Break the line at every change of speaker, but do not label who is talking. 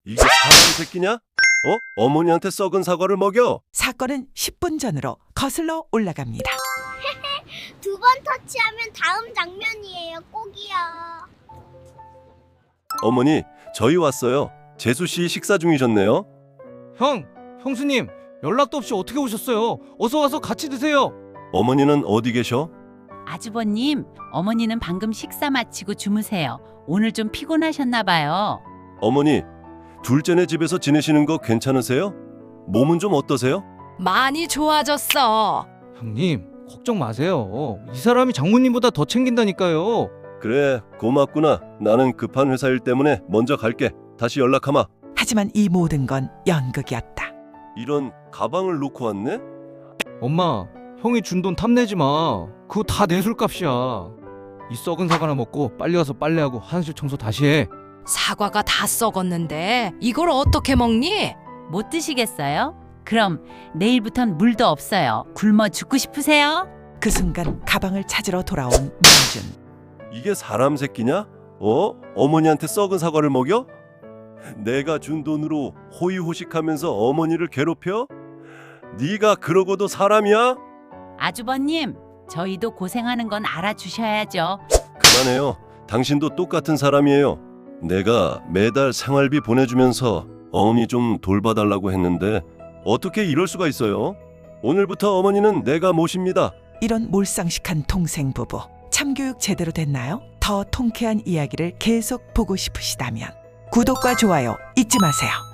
이게 사람 새끼냐? 어머니한테 썩은 사과를 먹여?
사건은 10분 전으로 거슬러 올라갑니다.
두 번 터치하면 다음 장면이에요. 꼭이요.
어머니, 저희 왔어요. 재수 씨 식사 중이셨네요.
형수님 연락도 없이 어떻게 오셨어요? 어서 와서 같이 드세요.
어머니는 어디 계셔?
아주버님, 어머니는 방금 식사 마치고 주무세요. 오늘 좀 피곤하셨나 봐요.
어머니, 둘째네 집에서 지내시는 거 괜찮으세요? 몸은 좀 어떠세요?
많이 좋아졌어.
형님 걱정 마세요. 이 사람이 장모님보다 더 챙긴다니까요.
그래, 고맙구나. 나는 급한 회사 일 때문에 먼저 갈게. 다시 연락하마.
하지만 이 모든 건 연극이었다.
이런 가방을 놓고 왔네?
엄마, 형이 준 돈 탐내지 마. 그거 다 내 술값이야. 이 썩은 사과나 먹고 빨리 와서 빨래하고 화장실 청소 다시 해.
사과가 다 썩었는데 이걸 어떻게 먹니?
못 드시겠어요? 그럼 내일부턴 물도 없어요. 굶어 죽고 싶으세요?
그 순간 가방을 찾으러 돌아온 민준.
이게 사람 새끼냐? 어머니한테 썩은 사과를 먹여? 내가 준 돈으로 호의호식하면서 어머니를 괴롭혀? 네가 그러고도 사람이야?
아주버님, 저희도 고생하는 건 알아주셔야죠.
그만해요. 당신도 똑같은 사람이에요. 내가 매달 생활비 보내주면서 어머니 좀 돌봐달라고 했는데 어떻게 이럴 수가 있어요? 오늘부터 어머니는 내가 모십니다.
이런 몰상식한 동생 부부. 참교육 제대로 됐나요? 더 통쾌한 이야기를 계속 보고 싶으시다면 구독과 좋아요 잊지 마세요.